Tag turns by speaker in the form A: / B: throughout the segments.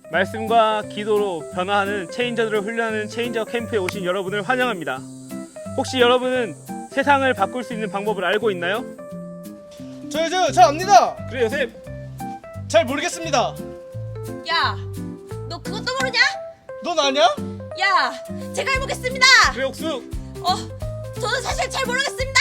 A: 말씀과 기도로 변화하는 체인저들을 훈련하는 체인저 캠프에 오신 여러분을 환영합니다. 혹시 여러분은 세상을 바꿀 수 있는 방법을 알고 있나요?
B: 잘 압니다.
A: 그래 요셉.
B: 잘 모르겠습니다.
C: 야, 너 그것도 모르냐?
B: 넌 아냐?
C: 야, 제가 해보겠습니다.
A: 그래 옥수.
C: 저는 사실 잘 모르겠습니다.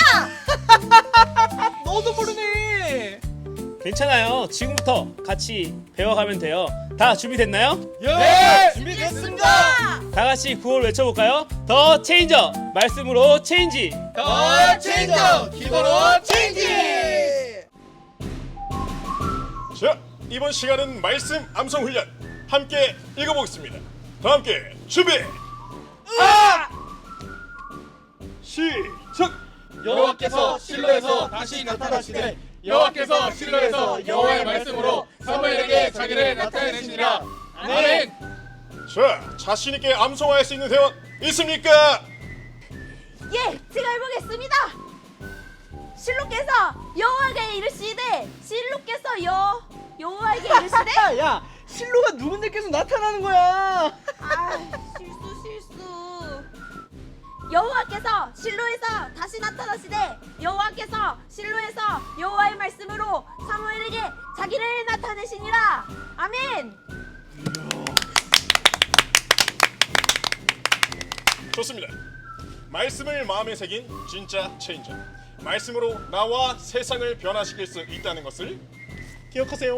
B: 너도 모르네.
A: 괜찮아요. 지금부터 같이 배워가면 돼요. 다 준비됐나요?
B: 예, 준비됐습니다.
A: 다 같이 구호를 외쳐볼까요? 더 체인저 말씀으로 체인지.
B: 더 체인저, 기도로 체인지.
D: 자, 이번 시간은 말씀 암송 훈련 함께 읽어보겠습니다. 다 함께 준비. 시작.
E: 여호와께서 실로에서 다시 나타나시되 여호와께서 실로에서 여호와의 말씀으로 사무엘에게 자기를 나타내시니라. 아멘.
D: 자, 자신 있게 암송할 수 있는 회원 있습니까?
C: 예, 제가 해보겠습니다. 실로께서 여호와에게 이르시되 여호와에게 이르시되
B: 야, 실로가 누군데께서 나타나는 거야?
C: 실수. 여호와께서 실로에서 다시 나타나시되 여호와께서 실로에서 여호와의 말씀으로 사무엘에게 자기를 나타내시니라. 아멘.
D: 좋습니다. 말씀을 마음에 새긴 진짜 체인저. 말씀으로 나와 세상을 변화시킬 수 있다는 것을 기억하세요.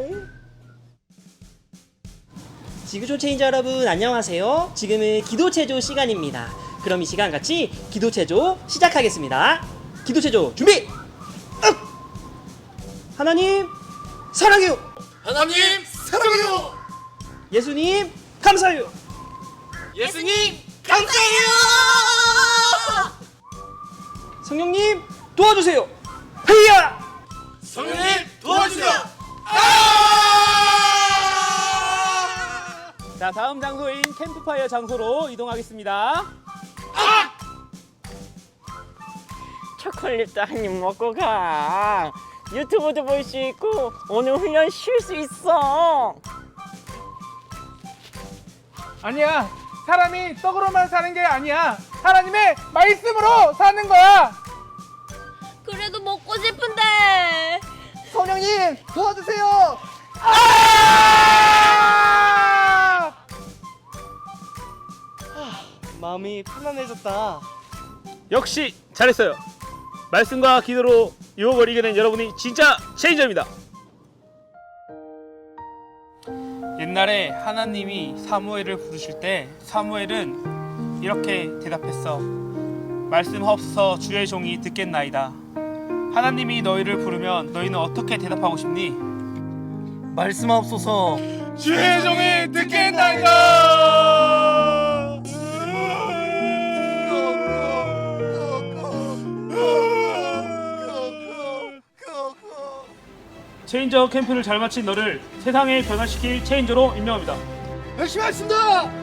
F: 지구촌 체인저 여러분 안녕하세요. 지금은 기도체조 시간입니다. 그럼 이 시간 같이 기도체조 시작하겠습니다. 기도체조 준비! 하나님 사랑해요.
E: 하나님 사랑해요.
F: 예수님 감사해요.
E: 예수님
C: 감사해요.
F: 성령님 도와주세요. 헤이야!
E: 성령님 도와주세요.
A: 자, 다음 장소인 캠프파이어 장소로 이동하겠습니다.
G: 초콜릿도 한 입 먹고 가. 유튜브도 볼 수 있고 오늘 훈련 쉴 수 있어.
H: 아니야. 사람이 떡으로만 사는 게 아니야. 하나님의 말씀으로 사는 거야.
C: 그래도 먹고 싶은데.
B: 성령님 도와주세요. 마음이 편안해졌다.
A: 역시 잘했어요. 말씀과 기도로 유혹을 이겨낸 여러분이 진짜 체인저입니다. 옛날에 하나님이 사무엘을 부르실 때 사무엘은 이렇게 대답했어. 말씀하옵소서 주의 종이 듣겠나이다. 하나님이 너희를 부르면 너희는 어떻게 대답하고 싶니?
B: 말씀하옵소서.
E: 주의 종이 듣겠나이다.
A: 체인저 캠프를 잘 마친 너를 세상에 변화시킬 체인저로 임명합니다.
B: 열심히 하겠습니다.